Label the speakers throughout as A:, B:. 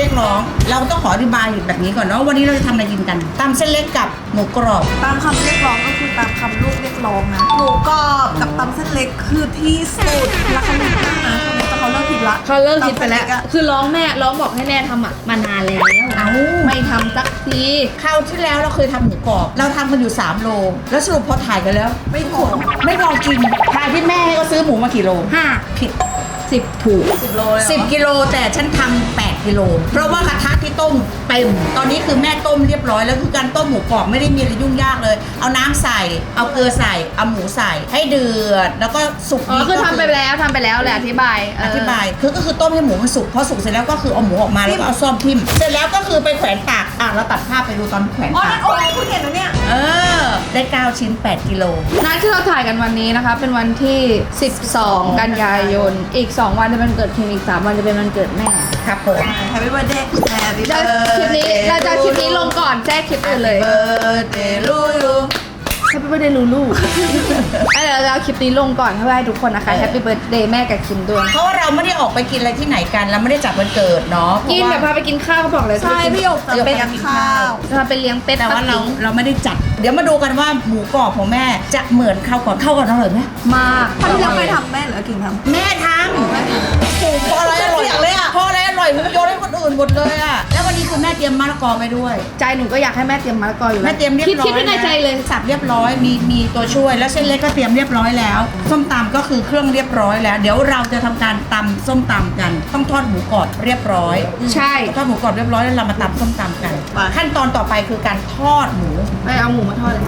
A: รียกร้องเราต้องขออธิบายแบบนี้ก่อนเนาะวันนี้เราจะทำอะไรกินกันตำเส้นเล็กกับหมูกรอบ
B: ตามคำเรียกร้องก็คือตามคำลูกเรียกร้องนะหมูกรอบกับตำเส้นเล็กคือที่สุดราคาหนึ่งมากนะแต่เขาเลิกผิดละ
C: เขาเลิกคิดไปแล้ว
B: ตำเส้นเกอะ
C: คือร้องบอกให้แม่ทำมานานแล้ว
A: เอา
C: ไม่ทำสักที
A: คราวที่แล้วเราเคยทำหมูกรอบเราทำกันอยู่3 โลแล้วสรุปพอถ่ายกันแล้ว
B: ไม่พอ
A: ไม่พอกินทายที่แม่ให้ก็ซื้อหมูมากี่โล
C: 5
A: ผิด
C: 10ถูก
B: 10 โลเลยเหรอ
A: 10 กิโลแต่ฉันทำ8 กิโลเพราะว่ากระทะที่ต้มเต็มตอนนี้คือแม่ต้มเรียบร้อยแล้วคือการต้มหมูกรอบไม่ได้มีอะไรยุ่งยากเลย เอาน้ำใส่เอาเกลือใส่เอาหมูใส่ให้เดือดแล้วก็สุก
C: อ๋อคือทำไปแล้วแหละอธิบาย
A: อธิบายคือก็คือต้มให้หมูมันสุกพอสุกเสร็จแล้วก็คือเอาหมูออกมาแล้วก็เอาซ่อมทิ่มเสร็จแล้วก็คือไปแขวนตากเราตัดภาพไปดูตอนแขวน
B: อ๋อ
A: ตา
B: นั่
A: ก
B: นโอ้ยคุณเห็นแล้วเนี่ย
A: ได้9 ชิ้น 8 กิโล
C: นัดที่เราถ่ายกันวันนี้นะคะ เป็นวันที่ 12 กันยายน อีก 2 วันจะเป็นวันเกิดคิมอีก 3 วันจะเป็นวันเกิดแม่
A: ครับผม
B: Happy birthday Happy
C: เราคลิปนี้เราจะคลิปนี้ลงก่อนแจ้คลิปอื่นเลย
A: birthday ลูลู
C: Happy birthday ลูลูเดี๋ยวเราเอาคลิปนี้ลงก่อนเพื่อให้ทุกคนนะคะ Happy birthday แม่กับคิมด้วย
A: เพราะว่าเราไม่ได้ออกไปกินอะไรที่ไหนกันเราไม่ได้จัดวันเกิดเนาะ
C: กินแบบพาไปกินข้าวเขาบอกเลย
B: ใช่พี่หยกจะไปกินข้าว
C: จะไปเลี้ยงเป็ด
A: แต่ว่าเราไม่ได้จัด เดี๋ยวมาดูกันว่าหมูกรอบของแม่จะเหมือนข้าวก่อนอร่อยไหม
C: มาก
B: ถ้าที่เราไปทำแม่หรือกินทำ
A: แม่ทำโอ้พออะไรอร่อย
B: เสียงเลยอะ
A: พออะไรอร่อยมันโยนให้คนอื่นหมดเลยอะแล้ววันนี้คือแม่เตรียมมะละกอไปด้วย
C: ใจหนูก็อยากให้แม่เตรียมมะละกออยู่แล้ว
A: แม่เตรียมเรียบร้อย
C: คิดไว้ในใจเลย
A: สับเรียบร้อยมีตัวช่วยแล้วเส้นเล็กก็เตรียมเรียบร้อยแล้วส้มตำก็คือเครื่องเรียบร้อยแล้ว เดี๋ยวเราจะทำการตำส้มตำกัน ต้องทอดหมูกรอบเรียบร้อย
C: ใช่
A: ทอดหมูกรอบเรียบร้อยแล้วเรามาตำส้มตำกัน ขั้นตอนต่อไปคือการทอดหมู
C: ไปเอาหมูมาทอดเลย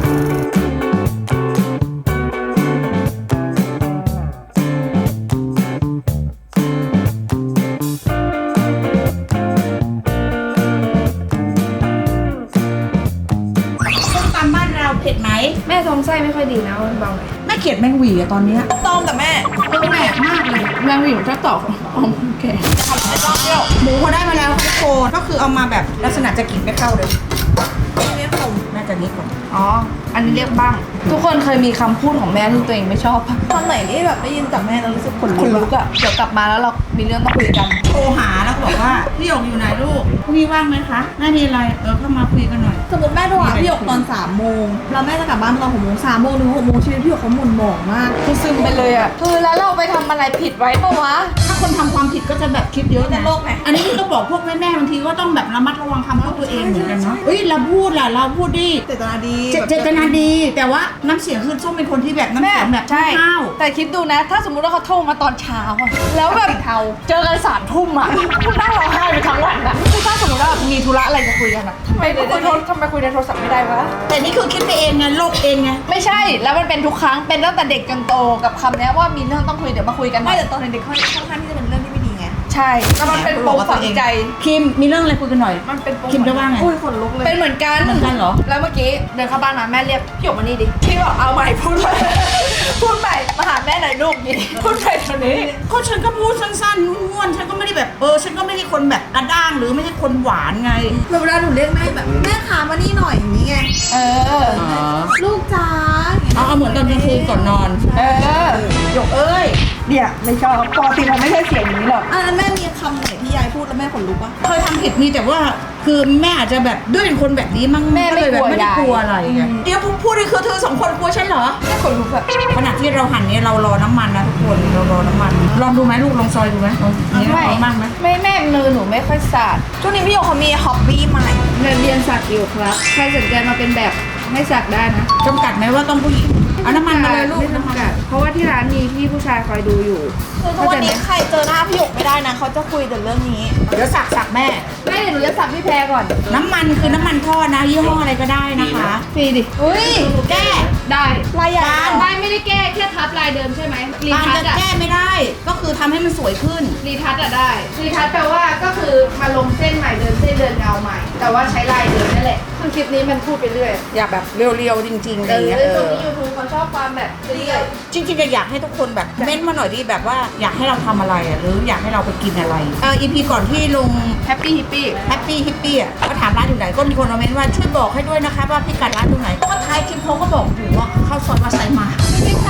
A: ส้มตำบ้านเราเผ็ดไหม
C: แม่ท้องไส้ไม่ค่อยดีนะเบาหน่อย
A: แม่เขียดแมงหวีอะตอนเนี้ย
B: ต้มแต่แม่
A: แปลกมากเลย
C: นางหวิวชอบตอกอ๋อโอเค
B: ทำให้รอบเดียว
A: หมูพอได้มาแล้วค่ะทุกคนก็คือเอามาแบบลักษณะจะกินไม่เข้าเลย
B: ไม่ขม
A: น่าจะนิดก่อน
C: อ๋อ อันนี้เรียกบ้าง ทุกคนเคยมีคำพูดของแม่ที่ตัวเองไม่ชอบปะ
B: ตอนไหนที่แบบได้ยินจากแม่แล้วรู้สึกขน
C: คน
B: ลุ
C: ลุ
B: ก
C: กอะเดี๋ยวกลับมาแล้วเรามีเรื่องต้องคุยกัน
A: โทรหาแล้วก็บอกว่าพี่หยกอยู่ไหนลูกพรุ่งนี้ว่างไหมคะแม่มีอะไรเข้ามาคุยกันหน่อย
B: สมมติแม่โทรหาพี่หยกตอน3 โมงแล้วแม่จะกลับบ้านตอน6 โมง3 โมงถึง6 โมงชีวิตพี่หยกเขาหมุนหมองมาก
C: คือซึมไปเลยอะคือแล้วเราไปทำอะไรผิดไว้ปะวะ
A: ถ้าคนทำความผิดก็จะแบบคิดเยอะ
B: ใน
A: นะ
B: โลกไหน
A: อันนี้ก็บอกพวกแม่ๆบางทีก็ต้องแบบระมัดระวังคำพูดตัวเองเหมือนกันเนาะเฮ้ยเราพูดล่ะเราพูดดิ
B: เจตนาดี
A: เจตนาดีแต่ว่าน้ำเสียงคือส้มเป็นคนที่แบบน้ำเสียงแบบ
C: ใช่
A: ห้าว
C: แต่คิดดูนะ ถ้าสมมุติว่าเขาโทรมาตอนเช้าอะแล้วแบบเจอกัน3 ทุ่มอะคุณนั่งร้องไห้ไปทั้งวันอะคือถ้าสมมติว่ามีธุระอะไรจะคุยกันอะทำไมคุยในโทรศัพท์ไม่ได้วะ
A: แต่นี่คือคิดไปเองไงโลกเองไง
C: ไม่ใช่ แล้วมันเป็นทุกครั้ง เป็นตั้งแต่เด็กจนโตกับคำเนี้ยว่ามีเรื่องต้องคุยเดี๋ยวมาคุยกันหน่
B: ไม่
C: อย
B: แต่ตอนเด็กๆค่อนข้างที่จะเป็นเรื่องที่ไม่ดีไง
C: ใช่แล้วมันเป็นปมฝังใจ
A: คิมมีเรื่องอะไรคุยกันหน่อย
C: มันเป็นปม
A: คิมจะว่าไง
B: อุ้ยขนลุกเลย
C: เป็นเหมือนกัน
A: เหมือนกันเหรอ
C: แล้วเมื่อกี้เดินเข้าบ้านมาแม่เรียกพี่หยกมานี่ดิ พี่บอกเอาใหม่พูดใหม่ พูดใหม่มาหาแม่หน่อยลูกนี่พูดใหม่ตอนนี้
A: ก็ฉันก็พูดสั้นๆม้วนๆฉันก็ไม่ได้แบบฉันก็ไม่ได้คนแบบกระด้างหรือไม่ใช่คนหวานไง
B: เวลาหนูเรียกแม่แบบแม่ขามานี่หน่อยอย่างนี้ไง
C: เออ
B: ลูกจ๋า
A: เอาเหมือนตอนกลางคืนก่อนนอน
C: เออ
A: หยกเอ้ย
C: เนี่ยไม่ชอบปกติมันไม่ใช่เสียงนี้หรอก
B: อันนั้นแม่มีคำไหนที่ยายพูดแล้วแม่ขนลุกปะ
A: เคยทำผิดมีแต่ว่าคือแม่อาจจะแบบด้วยเป็นคนแบบนี้มั้ง
C: แม่ไม่
A: ก็เลยแบบ
C: กลัว
A: ไม่ได้
C: ยาย
A: กลัวอะไรไง
C: อืม
A: เดี๋ยวพูดนี่คือเธอ2 คนกลัวฉันเหรอ
C: แม่ขนลุกอะ
A: ขณะที่เราหั่นเนี่ยเรารอน้ำมันนะทุกคนเรารอน้ำมันลองดูไหมลูกลองซอยดูไหมนี่ลองบ้างไหม
C: ไม่แม่มือหนูไม่ค่อยสาด
B: ช่วงนี้พี่หยกเขามีฮ็อบบี้ใหม่
C: เรียนสักอยู่ครับ ใครสนใจมาเป็นแบบให้สักได้นะ
A: จำกัดไหมว่าต้องผู้หญิงเอาน้ำมันมาเลยลูก
C: ไม่จำกัดเพราะว่าที่ร้านมีพี่ผู้ชายคอยดูอยู่
B: คือทุกวันนี้ใครเจอหน้าพี่หยกไม่ได้นะเขาจะคุยแต่เรื่องนี้
A: เดี๋ยวสักแม่
C: แม่เดี๋ยวหนูจะสักพี่แพรก่อน
A: น้ำมันคือน้ำมันทอดนะยี่ห้ออะไรก็ได้นะคะ
C: ฟรีดิอุ้ย
A: แก้
C: ได้
B: ลายใหญ่
C: ได้ไม่ได้แก้แค่ทับลายเดิมใช่ไหมรี
A: บาง
C: ทัช
A: จะ
C: อะ
A: แก้ไม่ได้ ก็คือทำให้มันสวยขึ้น
C: รีทัชอะได้รีทัชแปลว่าก็คือมาลงเส้นใหม่เดินเส้นเดินเงาใหม่ แต่ว่าใช้ลายเดิมนั่นแหละคือคลิปนี้มันพูดไปเรื่อย
A: อยากแบบเรียวๆจริงๆอะไรอย่างเงี้ย
C: ตรงนี้ยูทูบเขาชอบความแบบเรื่อย
A: จริงๆก็อยากให้ทุกคนแบบเม้นต์มาหน่อยดิแบบว่าอยากให้เราทำอะไรหรืออยากให้เราไปกินอะไรEP ก่อนที่ลง
C: แฮปปี้ฮิปปี้
A: แฮปปี้ฮิปปี้ก็ถามร้านอยู่ไหนก็มีคนคอมเมนต์ว่าช่วยบอกให้ด้วยนะคะว่าพิกัดร้านอยู่ไหนก็ท้ายคลิปเขาก็บอกอยู่ว่าเข้าซอยวัดไซมา
B: จริงๆสามารถ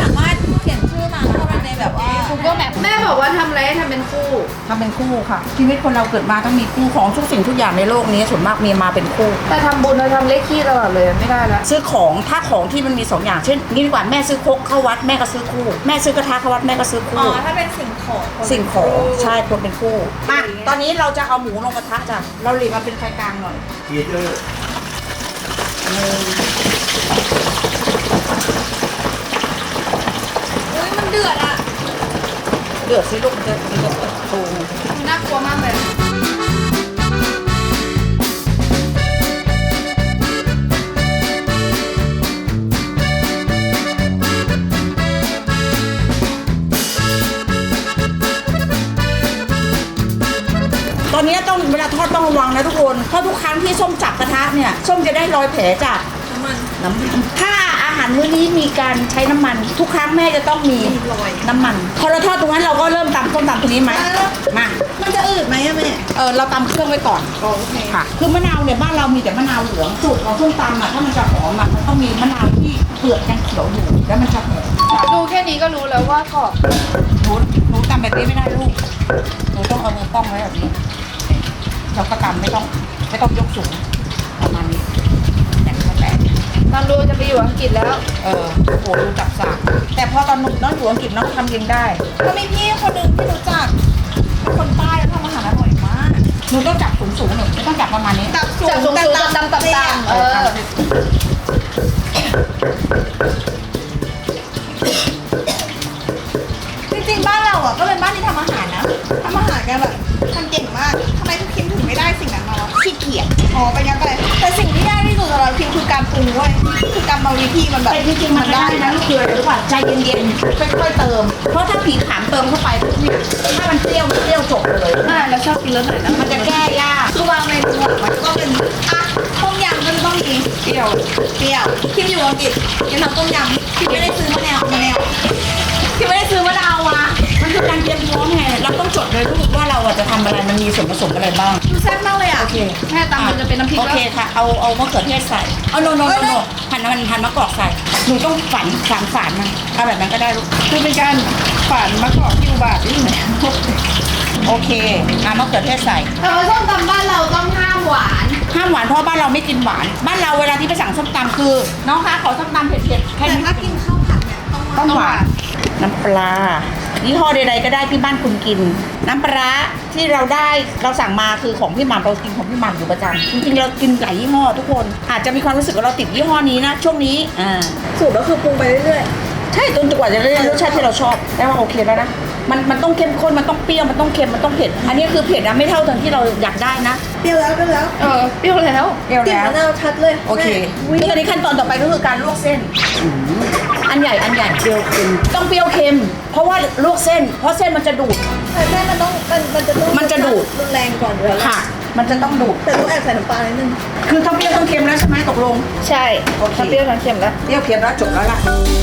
B: เขียนชื่อมาเข้าไปในแบบว่า
C: Google Map แม่บอกว่าทำอะไรให้ทำเป็นคู่
A: ทำเป็นคู่ค่ะ ชีวิตคนเราเกิดมาต้องมีคู่ของทุกสิ่งทุกอย่างในโลกนี้ส่วนมากมีมาเป็นคู่
C: แต่ทำบุญเราทำเลขขี้ตลอดเลยไม่ได้ละ
A: ซื้อของถ้าของที่มันมี2อย่างเช่นนี่ดีกว่าแม่ซื้อครกเข้าวัดแม่ก็ซื้อคู่แม่ซื้อกระทะเข้าวัดแม่ก็ซื้อ
B: อ๋
A: คู่
B: อถ้าเป็นสิ่งของ
A: สิ่งของใช่คนเป็นคู่มาตอนนี้เราจะเอาหมูลงกระทะจ้ะเราหลีกมาเป็นไฟกลางหน่อย
D: ฮีเตอร์
B: อุ้ยมันเดือดอ่ะ
A: เดือดสิลูกมันจะโต
C: น่ากลัวมากเลย
A: ตอนนี้ต้องเวลาทอดต้องระวังนะทุกคนเพราะทุกครั้งที่ส้มจับกระทะเนี่ยส้มจะได้รอยแผลจาก
B: น้ำมัน
A: น้ำมันถ้าอาหารมื้อนี้มีการใช้น้ำมัน ทุกครั้งแม่จะต้องมี
B: รอย
A: น้ำมัน พอเราทอดตรงนั้นเราก็เริ่มตำส้มตำตรงนี้ไหมมา
B: มันจะอืดไหมอะแม่
A: เราตำเครื่องไว้ก่อน
B: โอเค
A: ค่ะ คือมะนาวเนี่ยบ้านเรามีแต่มะนาวเหลืองสูตรของส้มตำอ่ะถ้ามันจะหอมอ่ะมันต้องมีมะนาวที่เปลือกยังเขียวอยู่แล้วมันจะหอม
C: ดูแค่นี้ก็รู้แล้วว่ากรอบ
A: หนูตำแบบนี้ไม่ได้ลูกหนูต้องเอามือป้องไว้แบบนี้เราก็ตำไม่ต้องยกสูงประมาณนี้อย่างนี้แหละ
C: ตอนดูจะไปอยู่อังกฤษแล้ว
A: โอ้โหดูจับสากแต่พอตอนหนุ่มน้องอยู่อังกฤษน้องทำเองได้
B: ก็มีพี่คนหนึ่งที่รู้จักเป็นคนใต้แล้วทำอาหารอร่อยมาก
A: หนูต้องจับสูงๆหนูไม่ต้องจับประมาณนี้
B: จับสู
C: จับสูงๆต่ำๆเออ
B: จริงๆบ้านเราอ่ะก็เป็นบ้านที่ทำอาหารนะทำอาหารกันแบบทำเก่งมากทำไมทุกคิมถึงไม่ได้สิ่งนั้นมาวะ
A: ขี้เกียจ
B: อ๋อเป็นงั้นไปแต่สิ่งที่ยากที่สุดสำหรับคิมคือการปรุงเว้ยคือกรรมวิธีมันแบบ
A: แต่จริงๆมันได้นะลูกคืออะไรรู้ป่ะใจเย็นๆค่อยๆเติม เพราะถ้าผีขามเติมเข้าไปปุ๊บเนี่ยถ้ามันเปรี้ยวจบเลย
C: แล้วชอบกินรสไหนนะ
A: มันจะแก้ยาก
B: คือบางเมนูอะมันจะต้องเป็นอ่ะต้มยำก็จะต้องมีเปรี้ยวคิมอยู่อังกฤษคิมทำต้มยำคิมไม่ได้ซื้อมะนาวคิมไม่ได้ซื้อมะนาวมา
A: มันคือการเตรียมพร้อมไงเราต้องจดเลยลูกว่าเราอะจะทำอะไรมันมีส่วนผสมอะไรบ้าง
B: ดูแซ่บมากเลยอ่ะ
A: โอเค
C: แม่ตำมันจะเป็นน้ำพริก
A: โอ
C: แล้ว
A: เคค่ะเอามะเขือเทศใส่เอาโนหั่นมะกอกใส่หนูต้องฝานมันเอาแบบนั้นก็ได้ลูก
C: คือเป็นการฝานมะกอกที่อุบาทนี่ไหน
A: โอเคมะเขือเทศใส่
C: แต่ว่าส้มตำบ้านเราต้องห้ามหวาน
A: ห้ามหวานเพราะบ้านเราไม่กินหวาน บ้านเราเวลาที่ไปสั่งส้มตำคือ น้องคะขอส้มตำเผ็ดๆแค่
B: แต่
A: นี้
B: ถ้ากินข้าวผัดเนี่ยต้อง
A: ต้องหวานน้ำปลายี่ห้อใดๆก็ได้ที่บ้านคุณกิน น้ำปลาที่เราสั่งมาคือของพี่หม่ำเรากินของพี่หม่ำอยู่ประจำจริงๆเรากินหลายยี่ห้อทุกคนอาจจะมีความรู้สึกว่าเราติดยี่ห้อนี้นะช่วงนี้
B: สูตรก็คือปรุงไปเรื่อย
A: ใช่จนกว่าจะได้รสชาติที่เราชอบได้ว่าโอเคแล้วนะมันต้องเข้มข้นมันต้องเปรี้ยวมันต้องเค็มมันต้องเผ็ดอันนี้คือเผ็ดนะไม่เท่าตอนที่เราอยากได้นะ
B: ๆเปรี้ยวแล้ว
C: เปรี้ยวแล้ว
A: เปรี้ยว
B: กลิ่น
A: แล้ว
B: มะนาวชัดเลย
A: โอเคคือตอนนี้ขั้นตอนต่อไปก็คือการลวกเส้นอันใหญ่เปรี้ยวเค็มต้องเปรี้ยวเค็ม เพราะว่าลวกเส้นเพราะเส้นมันจะดูด
B: แต่แม่มันต้องมันจะต้อง
A: มันจะดูด
B: รุนแรงก่อนอยู่แล้ว
A: ค่ะ มันจะต้องดูด
B: แต่ต้องแอบใส่น้ำปลานิดนึง
A: คือทั้งเปรี้ยวทั้งเค็มแล้วใช่ไหมตกลง
C: ใช่
A: โอเค
C: ทั้งเปรี้ยวทั้งเค็มแล้ว
A: เปรี้ยวเค็มแล้วจบแล้วล่ะ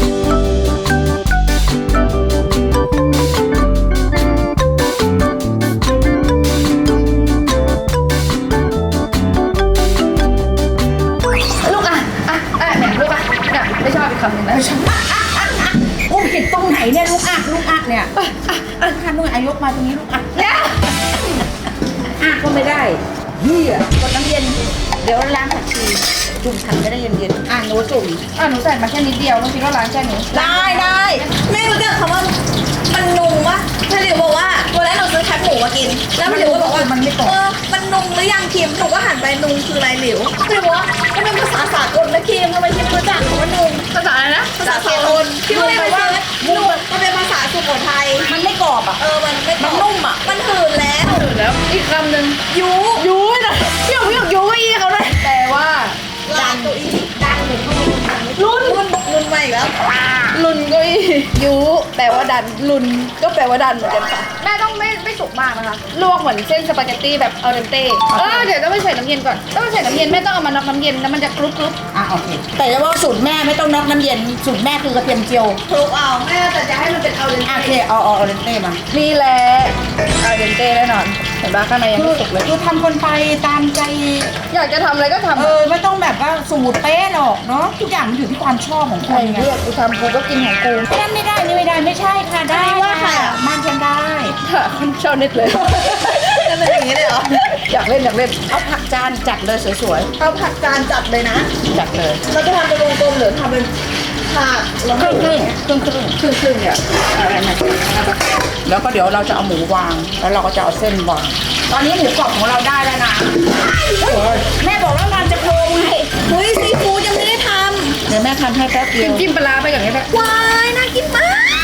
C: ลูกเนี่ยลูกเนี่ยไม่ชอบอีกคำหนึ่งนะไม่ชอบ
A: อุ้มผิดตรงไหนเนี่ยลูกอักเนี่ยทำลูกอายกมาตรงนี้ลูกอัก
C: เนี่ย
A: ก็ไม่ได้เหี้ยกดน้ำเย็นเดี๋ยวล้างผักชีจุ่มขันก็ได้เย็นๆหนูจุ่ม
C: หนูใส่มาแค่นิดเดียวบางทีก็ล้างแค่นี้
B: ได้แม่รู้จักคำว่ามันนุ่มวะพี่หลิวบอกว่าวันแรกหนูซื้อแคบหมูมากิน แล้วพี่หลิวก็บอกว่ามันนุ่มหรือยังคิมหนูก็หันไปนุ่มคืออะไรหลิวพี่หลิวบอกว่ามันเป็นภาษาสากลนะคิมทำไมคิมไม่รู้จักคำว่านุ่ม
C: ภาษาอะไรนะ
B: ภาษาสากลคิมก็เลยไปซื้อนุ่มมันเป็นภาษาสุโขทัย
A: มันไม่กรอบอ่ะ
B: มันไม่
A: มันนุ่มอะ
B: มันหืนแล้ว
C: แล้วอีกคำหนึ่ง
B: ยู
C: ยูนะพี่อยากยูก็อีเขาเลยแต่ว่า
B: ลานตัวอีดังหนูเข้าไปรุ่นใหม่อีกแล้ว
C: ลุนก็อียูแปลว่าดันลุนก็แปลว่าดันเหมือนกันค่ะแม่ต้องไม่สุกมากนะคะลวกเหมือนเส้นสปาเกตตี้แบบเอาเดนเต้เดี๋ยวต้องไปใส่น้ำเย็นก่อนต้องไปใส่น้ำเย็นแม่ต้องเอามาน็อกน้ำเย็นแล้วมันจะกรุบ
A: โอเคแต่จะว่าสูตรแม่ไม่ต้องน็อกน้ำเย็นสูตรแม่คือกระเทียมเจียว
B: คลุกเอา
C: แม่แต่จะให้มันเป็นเอาเดน
A: โอ
C: เต้
A: เคเอาเรนเต้มา
C: นี่แหละเอาเดนเต้แน่นอนเห็นปะข้างในยังไม่สุกเลย
A: คือทำคนไปตามใจ
C: อยากจะทำอะไรก็ทำ
A: ไม่ต้องแบบว่าสูตรเป๊ะหรอกเนาะทุกอย่างมันอยู่ที่ความชอบของค
C: ใคร
A: นไง
C: เลือกกูทำกูก็กินของกู
A: นั่นไม่ได้นี่ไม่ได้ไม่ใช่ค่ะได้
B: อันนี้ว่าใครอ่ะ
A: มันฉันได้
C: ค่ะคนชอบเน็ตเลย
B: จะเป็นอย่างนี้เลยเหรอ
C: อยากเล่น
A: เอาผักจานจัดเลยสวย
B: เอาผักจานจัดเลยนะ
A: ๆจัดเลย
B: เราจะทำเป็นวงกลมหรือทำเป็นผักแล้ว
A: ครึ่งครึ่ง
C: ครึ่งเนี่ยอะไรนะ
A: แล้วก็เดี๋ยวเราจะเอาหมูวาง แล้วเราก็จะเอาเส้นวางตอนนี้หมูกรอบของเราได้แล้วนะแม่บอกว่ามันจะโครงไง
B: เฮ้ยซีฟู้ดยังไม่ได้ท
A: เดี๋ยวแม่ทำให้แป๊บเดียว
C: จิ้มปลาร้าไปอย่างนี้แหละ
B: ำว้ายน่ากินมาก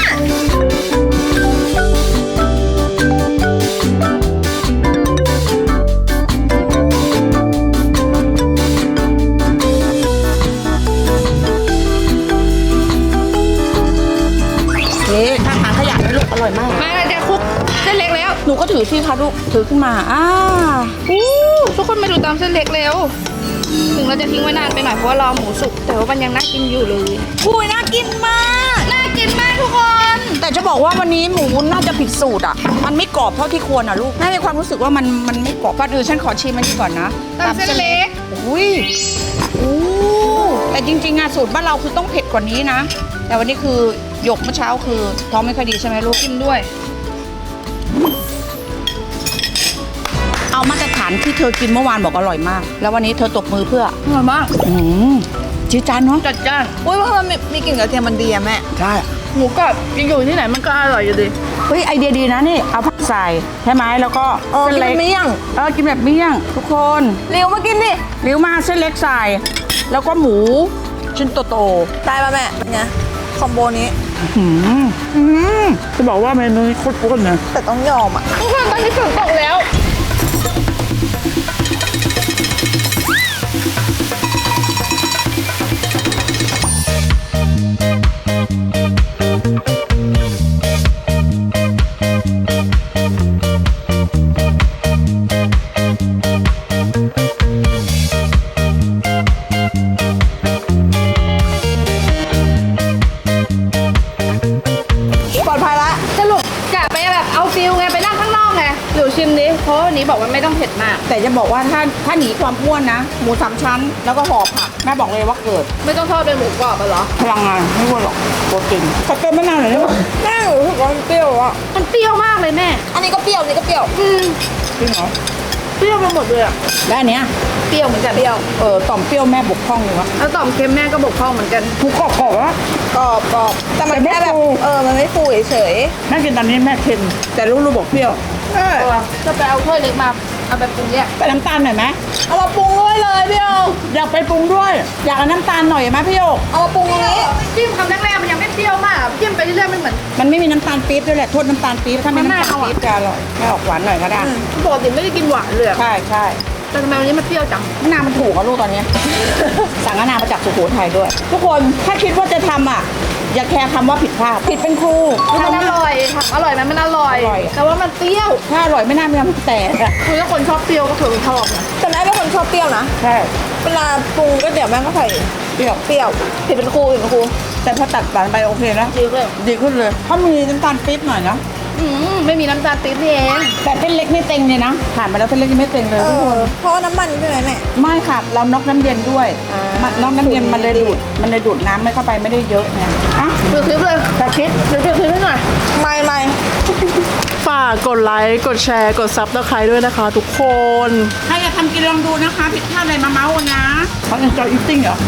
A: นี่ถ้าทางขยะให้ลูกอร่อยมาก
C: มาเราจะคลุกเส้นเล็กแล้ว
A: หนูก็ถือสิคะลูกถือขึ้นมา
C: อู้ทุกคนมาดูตามเส้นเล็กแล้ว ถึงเราจะทิ้งไว้นานไปหน่อยเพราะว่ารอหมูสุกแต่ว่ามันยังน่ากินอยู่เลย
B: อุ้ยน่ากินมาก
C: น่ากินมากทุกคน
A: แต่จะบอกว่าวันนี้หมูน่าจะผิดสูตรอ่ะ มันไม่กรอบเท่าที่ควรอ่ะลูกแม่มีความรู้สึกว่ามันไม่กรอบก่อนอื่นฉันขอชิมมันนี้ก่อนนะ
C: ตามเส้นเล็ก
A: อุ้ยอู้แต่จริงๆอะสูตรบ้านเราคือต้องเผ็ดกว่านี้นะ แต่วันนี้คือหยกเมื่อเช้าคือท้องไม่ค่อยดีใช่ไหมลูก
C: กินด้วย
A: เอามาตรฐานที่เธอกินเมื่อวานบอกอร่อยมาก แล้ววันนี้เธอตบมือเพื่อ
C: อร่อยมาก
A: จี๊ดจ้านเนาะ
C: จัดจ้าน
B: อุ้ยเพราะมันมีกลิ่นกระเทียมมันดีอะแม่
A: ใช่
C: หมูกรอบกินอยู่ที่ไหนมันก็อร่อยอยู่ดี
A: เฮ้ยไอเดียดีนะนี่เอาผักใส่ใช่ไหมแล้วก็
B: กินแบบเมี่ยง
A: กินแบบเมี่ยงทุกคน
B: เร็วมากินดิ
A: เลี้ยวมาเส้นเล็กใส่แล้วก็หมูชิ้นโต
B: ได้ป่ะแม่เป็นไงคอมโบนี้
A: จะบอกว่าเมนูนี้โคตรอ้วนนะ
B: แต่ต้องยอมอ่ะ
C: ทุกคนตอนนี้ฝนตกแล้ว
B: ปลอดภัยละ
C: สรุปกะไปแบบเอาฟิลไงไปนั่งข้างนอกไงหลิวชิมดิเพราะว่าวันนี้บอกว่าไม่ต้องเผ็ดมาก
A: แต่จะบอกว่าถ้าหนีความอ้วนนะหมูสามชั้น แล้วก็ห่อผักแม่บอกเลยว่าเกิด
C: ไม่ต้องทอดเป็นหมูกรอบอะเหรอ
A: พลังงานไม่อ้วนหรอกโปรตีนขอเติมมะนาวหน่อยได้ไหม
B: แม่รู้สึกว่ามันเปรี้ยวอ่ะ
C: มันเปรี้ยวมากเลยแม่
B: อันนี้ก็เปรี้ยวอันนี้ก็เปรี้ยว
A: จริงเหรอ
C: เปรี้ยวไปหมดเลยอะ
A: แล้วอันเนี้ย
C: เปรี้ยวเหมือนกัน
B: เปรี้ยว
A: ต่อมเปรี้ยวแม่บกพร่องเลยวะ
C: แล้วต่อมเค็มแม่ก็บกพร่องเหมือนกัน
A: หมูกรอบวะ
B: กรอบแต่มัน
A: แต่ไม่
B: แค่แบบ
A: ฟู
B: มันไม่ฟูเฉย
A: แม่กินตอนนี้แม่เค็มแต่ลูกๆบอกเปรี้ยว
C: จะไปเอาถ้วยเล็กมาเอาแบบปรุงเนี่ย
A: ใส่น้ำตาลหน่อยไหม
B: เอามาปรุงด้วยเลยพี่โย
A: อยากไปปรุงด้วย อยากเอาน้ำตาลหน่อยไหมพี่โยก
B: เอามาปรุงตรงนี้
C: จิ้มคำแรกๆมันยังไม่เปรี้ยวมากอะจิ้มไปเรื่อยๆมันเหมือน
A: มันไม่มีน้ำตาลปี๊บด้วยแหละโทษน้ำตาลปี๊บถ้าไม่
C: มัน
A: น้ำ
C: น่า
A: ตาล
C: เอาอะ
A: ปี๊บจะอร่อยไม่ออกหวานหน่อยก็ได้
C: ปกติไม่ได้กินหวานเลยอะ
A: ใช่ใช่
C: แต่ทำไมวันนี้มันเปรี้ยวจัง
A: มะนาวมันถูกอะลูกตอนเนี้ย สั่งมะนาวมาจากสุโขทัยด้วย ทุกคนถ้าคิดว่าจะทำอ่ะ อย่าแคร์คำว่าผิดพลาดผิดเป็นครู
C: มันอร่อยถามอร่อยไหมมันอร่อย
A: อร่อย
C: แต่ว่ามันเปรี้ยว
A: ถ้าอร่อยไม่น่ามีน้ำแต่อะ
C: คือถ้าคนชอบเปรี้ยวก็คือชอบนะ
B: แต่แม่เป็นคนชอบเปรี้ยวนะ
A: ใช่
B: เวลาปรุงก็เดี๋ยวแม่ก็ใส่
A: เปรี้ยว
B: เปรี้ยวผิดเป็นครูผิดเป็นครู
A: แต่พอตัดหวานไปโอเคนะ
C: จริงเลย
A: ดีขึ้นเลยถ้ามีน้ำตาลปี๊บหน่อยนะ
C: ไม่มีน้ำตาลปี๊บนี่เอง
A: แต่เส้นเล็กไม่เต็งเลยนะผ่านไปแล้วเส้นเล็กยังไม่เต็งเลยทุกคน
B: เพราะว่าน้ำมันใช่ไหมแม่
A: ไม่ค่ะเราน็อกน้ำเย็นด้วย
B: อ่า
A: น็อกน้ำเย็นมันเลยดูดน้ำไม่เข้าไปไม่ได้เยอะไงอ่ะ
C: ดูคลิปเลย
A: แต่คิด
C: ดูคลิปให้หน่อย
B: ไม่
D: ฝากกดไลค์ กดแชร์ กดซับสไครต์ด้วยนะคะทุกคน
A: ใครจะทำกินลองดูนะคะ ผิดพลาดอะไรมาเมาส์นะเขา enjoy eating เหรอ